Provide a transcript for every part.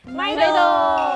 ไม่โด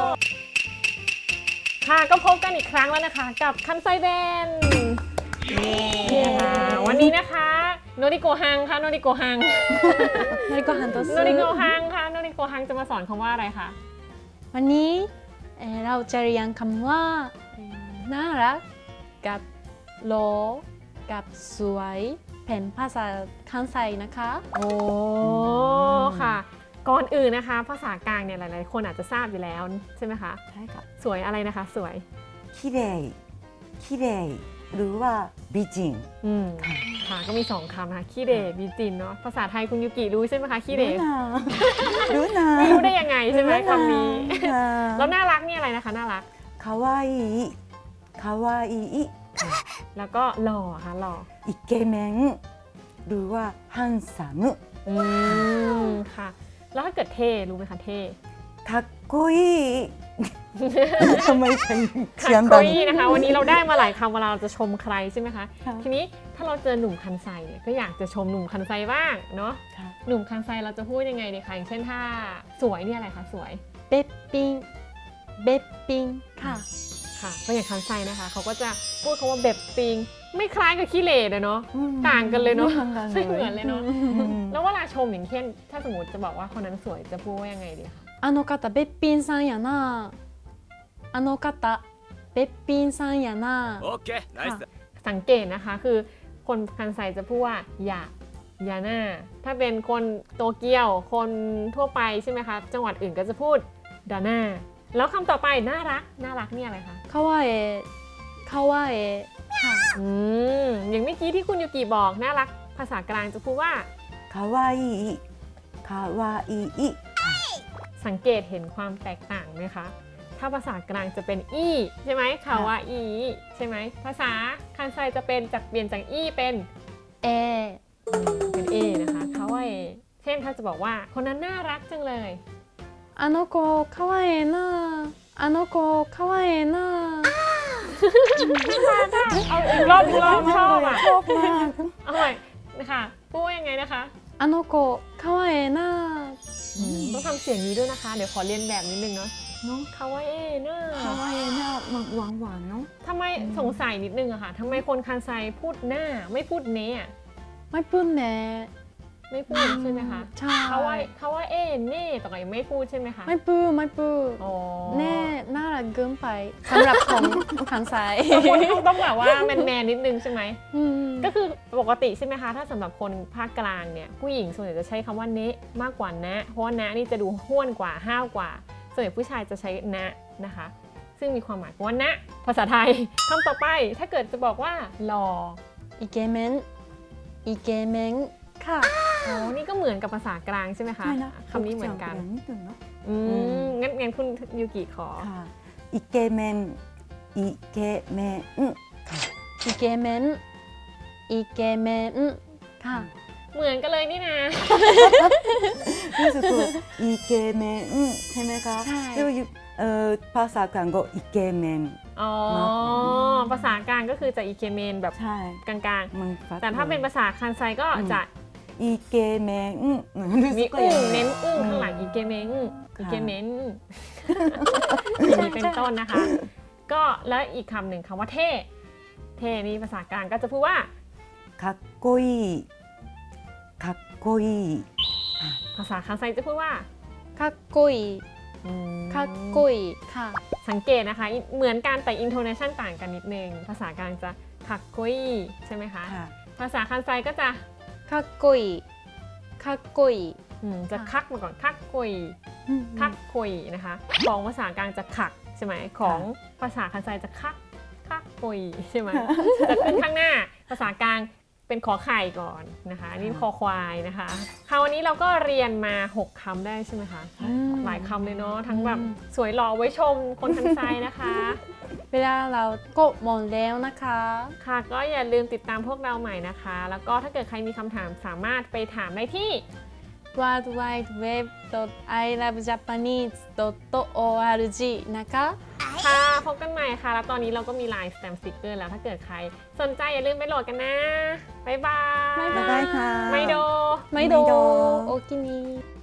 ค่ะก็พบกันอีกครั้งแล้วนะคะกับคันไซเบนนี่นะคะวันนี้นะคะโนริโกฮังค่ะโนริโกฮังโนริโกฮันโตสึโนริโกฮังค่ะโนริโกฮังจะมาสอนคำว่าอะไรคะวันนี้เราจะเรียนคำว่าน่ารักกับโลกับสวยเป็นภาษาคันไซนะคะโอ้ค่ะก่อนอื่นนะคะภาษากลางเนี่ยหลายๆคนอาจจะทราบอยู่แล้วใช่ไหมคะใช่ค่ะสวยอะไรนะคะสวยคิเรคิเรหรือว่าบิจินค่ะก็มี2คำนะคะขี้เหร่บีจินเนาะภาษาไทยคุณยูกิรู้ใช่ไหมคะขี้เหร่รู้นะไม่รู้ได้ยังไงใช่ไหมคำนี้แล้แล้ว วน่ารักนี่อะไรนะคะน่ารักคาวาอิคาวาอิแล้วก็หล่อค่ะหล่ออิเกเมนหรือว่าฮันซัมค่ะ แล้วถ้าเกิดเท่รู้ไหมคะเท่かっこいいทำไมเป็นคัเสียงโกดังยนะคะวันนี้เราได้มาหลายคำเวลาเราจะชมใครใช่ไหมคะค่ะทีนี้ถ้าเราเจอหนุ่มคันไซเนี่ยก็อยากจะชมหนุ่มคันไซบ้างเนาะค่ะหนุ่มคันไซเราจะพูดยังไงดีคะอย่างเช่นถ้าสวยเนี่ยอะไรคะสวยเบปปิงเบปปิงค่ะค่ะก็อย่างคันไซนะคะเขาก็จะพูดคำว่าเบบปิงไม่คล้ายกับขี้เหร่เลยเนาะ ต่างกันเลยเนอะ ไม่เหมือนเลยเนาะ แล้วเวลาชมอย่างเช่นถ้าสมมติจะบอกว่าคนนั้นสวยจะพูดว่ายังไงดีคะあの方べっぴんさんやなあの方べっぴんさんやなオッケーナイスだสังเกตนะคะคือคนคันไซจะพูดว่าอย่าหน้าถ้าเป็นคนโตเกียวคนทั่วไปใช่ไหมคะจังหวัดอื่นก็จะพูดดาน่าแล้วคำต่อไปน่ารักน่ารักเนี่ยอะไรคะかわえかわえค่ะอย่างเมื่อกี้ที่คุณยูกิบอกน่ารักภาษากลางจะพูดว่าかわいいかわいいสังเกตเห็นความแตกต่างไหมคะ ถ้าภาษากลางจะเป็นอีใช่ไหมคาวาอีใช่ไหมภาษาคันไซจะเป็นจากเปลี่ยนจากอีเป็นเอเป็นเอนะคะคาวาเอเช่นถ้าจะบอกว่าคนนั้นน่ารักจังเลยあの子かわええなあの子かわええなเอาอีกรอบชอบอ่ะชอบมากเอาใหม่นะคะพูดว่ายังไงนะคะあの子かわええなต้องทำเสียงนี้ด้วยนะคะ เดี๋ยวขอเรียนแบบนิดนึงเนาะเนาะคาวาเอน่าคาวาอิน่าหวานหวานเนาะทำไมสงสัยนิดนึงอะค่ะทำไมคนคันไซพูดหน้าไม่พูดเนะอะไม่พูดแน่ไม่พูดใช่ไหมคะใช่คาวาเอเน่ต่อไปไม่พูดใช่ไหมคะไม่พูดไม่พูดอ๋อแน่น่ารักเกินไปสำหรับของทางซ้ายคนเขาต้องแบบว่าแมนๆนิดนึงใช่ไหมอืมก็คือปกติใช่ไหมคะ ถ้าสำหรับคนภาคกลางเนี่ยผู้หญิงส่วนใหญ่จะใช้คำว่าเนะมากกว่านะเพราะว่านะนี่จะดูห้วนกว่าห้าวกว่า ส่วนใหญ่ผู้ชายจะใช้นะนะคะ ซึ่งมีความหมายว่านะภาษาไทยคำต่อไปถ้าเกิดจะบอกว่าหล่อイケメンイケメンค่ะอ๋อนี่ก็เหมือนกับภาษากลางใช่ไหมคะใช่นะคำนี้เหมือนกันนิดนึงเนาะงั้นคุณยูกิขอค่ะอิเกเมนอิเกเมนイケメンイケメンค่ะเหมือนกันเลยนี่นะรู้สึกว่าอิเกเมนใช่ไหมคะใช่แล้วภาษากลางก็อิเกเมนอ๋อ ภาษากลางก็คือจะอีเคเมนแบบใช่กลางมันๆ แต่ถ้าเป็นภาษาคันไซก็จะอิเกเมนมีอึ้งเน้นอึ้งข้างหลังอีเกเมนอีเกเมนอย่างนี้เป็นต้นนะคะ ก็แล้วอีกคำหนึ่งคำว่าเท่ เท่นี่ภาษากลางก็จะพูดว่าかっこいいかっこいいภาษาคันไซจะพูดว่าかっこいいかっこいいค่ะสังเกตนะคะเหมือนกันแต่ intonation ต่างกันนิดนึง ภาษากลางจะคักกุยใช่ไหมคะค่ะภาษาคันไซก็จะかっこいいかっこいいจะคักมาก่อนคักกุย คักคุยนะคะของภาษากลางจะขักใช่ไหมของภาษาคันไซจะคักคุยใช่ไหมจะขึ้นข้างหน้าภาษากลางเป็นขอไข่ก่อนนะคะอันนี่คอควายนะคะคราวนี้เราก็เรียนมา 6 คำได้ใช่ไหมคะหลายคำเลยเนาะทั้งแบบสวยหล่อไว้ชมคนคันไซนะคะเวลาเรากดหมดแล้วนะคะค่ะก็อย่าลืมติดตามพวกเราใหม่นะคะ แล้วก็ถ้าเกิดใครมีคำถามสามารถไปถามได้ที่ worldwideweb.ilovejapanese.org นะคะค่ะพบกันใหม่ค่ะ แล้วตอนนี้เราก็มี LINE Stamp Sticker แล้วถ้าเกิดใครสนใจอย่าลืมไปโหลดกันนะ บ๊ายบายบ๊ายบายค่ะไม่โดไม่โดไม่โดโอกินี